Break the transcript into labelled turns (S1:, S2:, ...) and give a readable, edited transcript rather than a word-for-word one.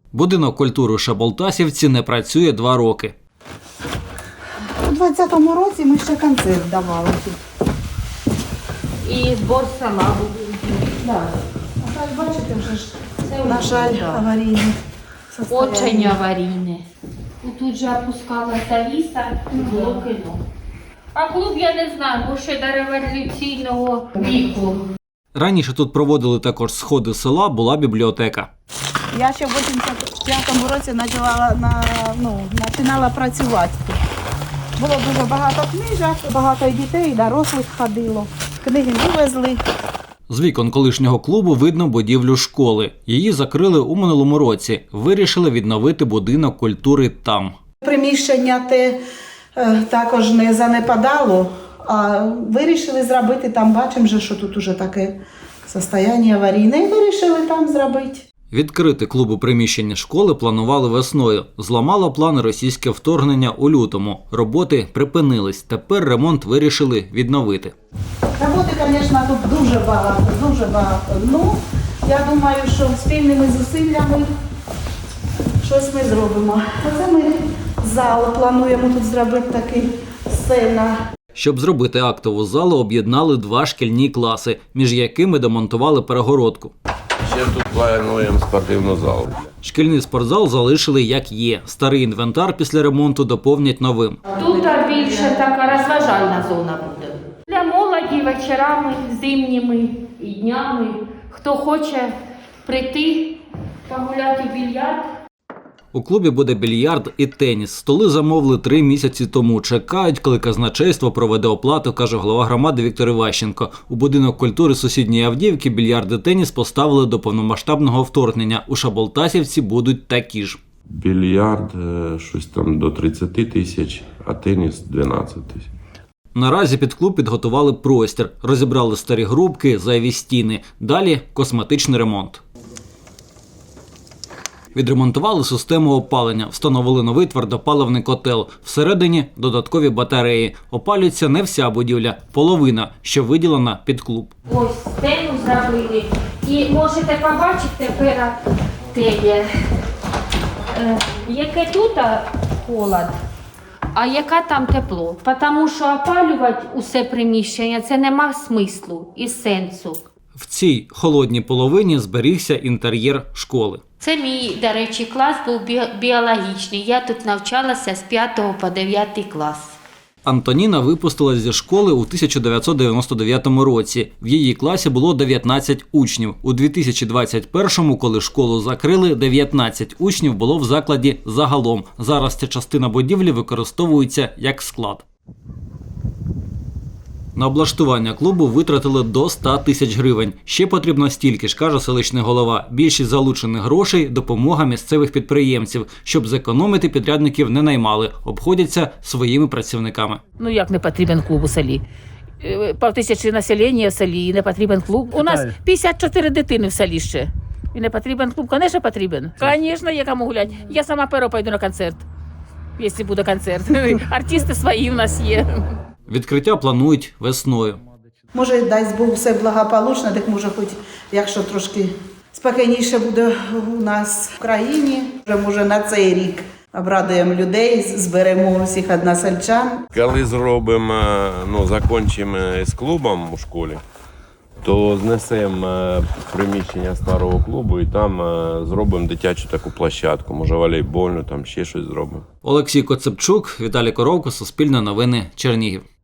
S1: Будинок культури Шаболтасівці не працює 2 роки.
S2: У 20-му році ми ще концерт давали.
S3: І збор сама буде.
S2: Да. А так, бачите, вже ж, на жаль, аварійне состояние.
S3: Очень аварійне. Тут же опускалася віса, було кіно. А клуб, я не знаю, бо ще до революційного віку.
S1: Раніше тут проводили також сходи села, була бібліотека.
S2: Я ще в 85-му році починала працювати тут. Було дуже багато книжок, багато і дітей, і дорослих ходило. Книги вивезли.
S1: З вікон колишнього клубу видно будівлю школи. Її закрили у минулому році. Вирішили відновити будинок культури там.
S2: Приміщення те також не занепадало, а вирішили зробити там, бачимо, що тут уже таке стані аварійне, і вирішили там зробити.
S1: Відкрити клуб у приміщенні школи планували весною. Зламало плани російське вторгнення у лютому. Роботи припинились. Тепер ремонт вирішили відновити.
S2: Роботи, звісно, тут дуже багато, дуже багато. Ну, я думаю, що спільними зусиллями щось ми зробимо. Оце ми зал плануємо тут зробити такий сцена.
S1: Щоб зробити актову залу, об'єднали 2 шкільні класи, між якими демонтували перегородку.
S4: Ще тут плануємо спортивну залу.
S1: Шкільний спортзал залишили як є. Старий інвентар після ремонту доповнять новим.
S3: Тут більше така розважальна зона буде. Для молоді вечорами, зимніми і днями. Хто хоче прийти, погуляти в більярд.
S1: У клубі буде більярд і теніс. Столи замовили 3 місяці тому. Чекають, коли казначейство проведе оплату, каже голова громади Віктор Іващенко. У будинок культури сусідньої Авдіївки більярд і теніс поставили до повномасштабного вторгнення. У Шаболтасівці будуть такі ж.
S4: Більярд щось там до 30 тисяч, а теніс 12 тисяч.
S1: Наразі під клуб підготували простір. Розібрали старі грубки, зайві стіни. Далі косметичний ремонт. Відремонтували систему опалення, встановили новий твердопаливний котел. Всередині додаткові батареї. Опалюється не вся будівля, половина, що виділена під клуб.
S3: Ось стену зробили. І можете побачити тепер яке тут холод, а яка там тепло. Тому що опалювати усе приміщення – це нема смислу і сенсу.
S1: В цій холодній половині зберігся інтер'єр школи.
S3: Це мій, до речі, клас був біологічний. Я тут навчалася з 5 по 9 клас.
S1: Антоніна випустилась зі школи у 1999 році. В її класі було 19 учнів. У 2021-му, коли школу закрили, 19 учнів було в закладі загалом. Зараз ця частина будівлі використовується як склад. На облаштування клубу витратили до 100 тисяч гривень. Ще потрібно стільки ж, каже селищний голова. Більшість залучених грошей – допомога місцевих підприємців. Щоб зекономити, підрядників не наймали. Обходяться своїми працівниками.
S5: Ну як не потрібен клуб у селі? 5000 населення в селі і не потрібен клуб. У нас 54 дитини в селі ще. І не потрібен клуб? Звісно, потрібен. Звісно, є кому гуляти. Я сама перша пойду на концерт, якщо буде концерт. Артисти свої в нас є.
S1: Відкриття планують весною.
S2: Може, дасть Бог, все благополучно, так може хоч, якщо трошки спокійніше буде у нас в країні, може на цей рік обрадуємо людей, зберемо всіх односельчан.
S4: Коли зробимо, закінчимо з клубом у школі, то знесемо приміщення старого клубу і там зробимо дитячу таку площадку, може волейбольну, там ще щось зробимо.
S1: Олексій Коцепчук, Віталій Коровко, Суспільне новини, Чернігів.